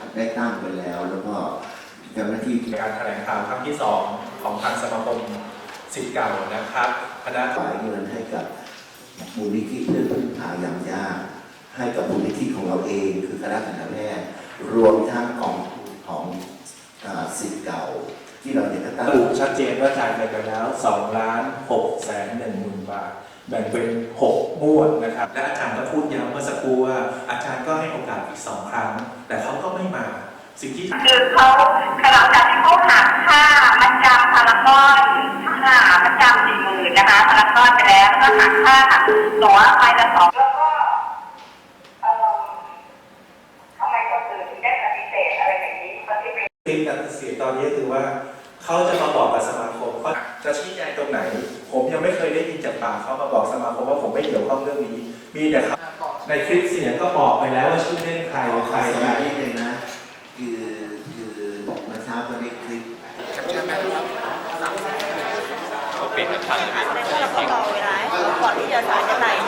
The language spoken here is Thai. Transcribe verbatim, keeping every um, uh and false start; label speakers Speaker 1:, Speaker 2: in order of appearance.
Speaker 1: ได้ตั้งไปแล้วแล้วก็เจ้าหน้าที่
Speaker 2: การแถลงข่าวครั้งที่สองของทางสมาคมศิษย์เก่านะครับคณะ
Speaker 1: จ่ายเงินให้กับมูลนิธิเพื่อพึ่งพายามยากให้กับมูลนิธิของเราเองคือคณะทันตแพทย์รวมทั้งกองทุนของศิษย์เก่าที่เราเนี่ยก็ตั้ง
Speaker 3: ระบุชัดเจนว่าจ่ายไปแล้วสองล้านหกแสนหนึ่งหมื่นบาทแบ่งเป็นหกงวดนะครับ
Speaker 2: และอาจารย์ก็พูดย้ำเมื่อสักครู่ว่าอาจารย์ก็ให้โอกาสอีกสองครั้งแต่เขาก็ไม่มาสิ่งที่
Speaker 4: คือเขาหลังจากที่เขาหักค่ามัดจำพารากอนค่ามัดจำสี่หมื่นนะคะพารากอนไปแล้วแล้วก็หักค่าตั๋วไปละสองแล้วก็ทำไมคนอื่นถึงได้ปฏิเสธอะไรแบบนี้ปฏิเสธ
Speaker 2: ติดกับเสียตอนนี้คือว่าเขาจะมาบอกกับสมาคมเขาจะชี้แจงตรงไหนผมยังไม่เคยได้ยินจากปากเขามาบอกสมาคมว่าผมไม่เกี่ยวข้องเรื่องนี้มีแต่เขาในคลิปเสียงก็บอกไปแล้วว่าชื่อเล่นใครใครใคร
Speaker 1: นิดนึงนะคือคือเมื่อเช้าก็ได้คลิป
Speaker 5: เขาเปลี่ยนทันเลยก่อนที่จะสารจะไหล